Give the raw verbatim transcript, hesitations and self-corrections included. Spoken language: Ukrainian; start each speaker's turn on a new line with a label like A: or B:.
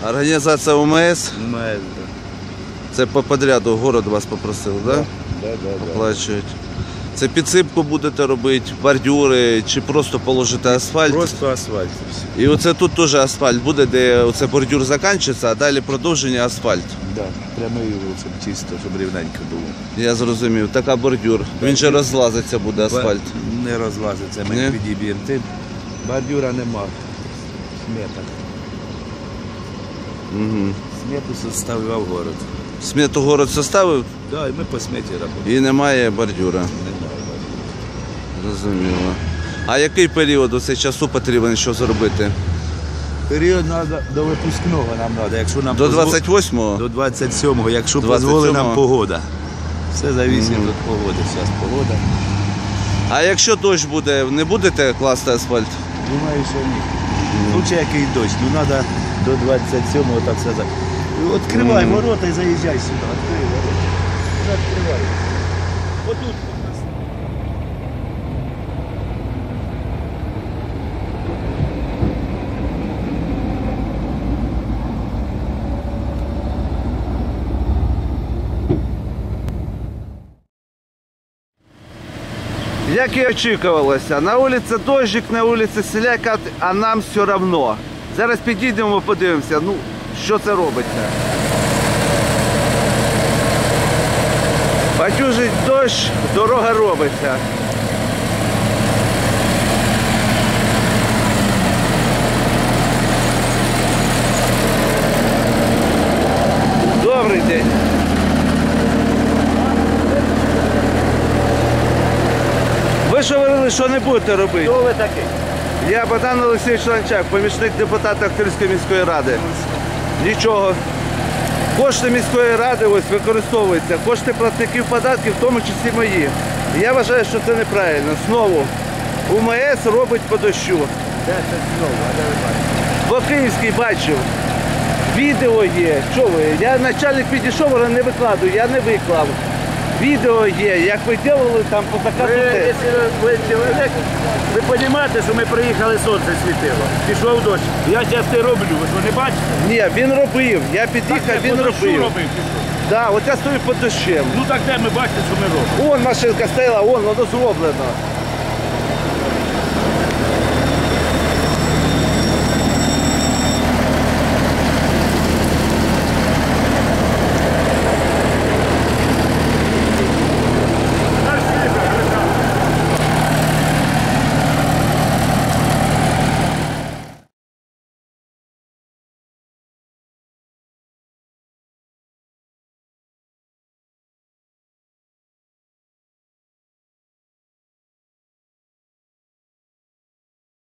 A: Організація УМС?
B: МС, да.
A: Це по подряду город вас попросив, так? Да?
B: Да, да, да.
A: Оплачують. Це підсипку будете робити, бордюри чи просто положити асфальт?
B: Просто асфальт.
A: І оце тут теж асфальт буде, де оце бордюр закінчиться, а далі продовження асфальт.
B: Да, прямий, щоб чисто, щоб рівненько було.
A: Я зрозумів, така бордюр. Він же розлазиться буде асфальт.
B: Не розлазиться, ми
A: Ні?
B: підіб'ємо тим. Бордюра нема. Смета.
A: Угу.
B: Смету составляв город.
A: Смету город составив
B: Да, і ми по сметі працюємо.
A: і немає бордюра. Зрозуміло. А який період у цей часу потрібен, що зробити?
B: Період треба до випускного нам треба. Якщо нам
A: До
B: позво-
A: двадцять восьмого?
B: До двадцять сьомого, якщо
A: двадцять
B: дозволить
A: сьомого.
B: нам погода. Все залежить
A: Мгм.
B: від погоди. Зараз погода.
A: А якщо дощ буде, не будете класти асфальт?
B: Думаю, що ні. Лучше який дощ, ну треба до двадцять сьомого, так сказати. Відкривай
A: Мгм.
B: ворота і заїжджай сюди. Відкривай ворота. Відкривай. Отут.
A: Як і очікувалося, на вулиці дощик, на вулиці селяка, а нам все одно. Зараз підійдемо, подивимося, ну, що це робиться. Батюжить дощ, дорога робиться. Добрий день. Ви ж говорили, що не будете робити.
B: Хто ви такий?
A: Я Богдан Олексійович Ланчак, помічник депутата Охтирської міської ради. Нічого. Кошти міської ради ось використовуються, кошти платників податків, в тому числі мої. І я вважаю, що це неправильно. Знову УМС робить по дощу.
B: Де це знову? А де ви бачите?
A: По Київській бачив. Відео є. Що ви? Я начальник підійшов, але не викладую, я не виклав. Відео є, як ви робили там по заказу
C: Ви,
A: тест.
C: якщо ви чоловік, ви розумієте, що ми приїхали, сонце світило. Пішов дощ. Я зараз це роблю, ви що не бачите?
A: Ні, він робив. Я під'їхав, він
C: По дощу
A: робив.
C: робив, пішов.
A: Да, от я стою під дощем.
C: Ну так де ми бачите, що ми робимо?
A: Вон машинка стояла, вон, воно зроблено.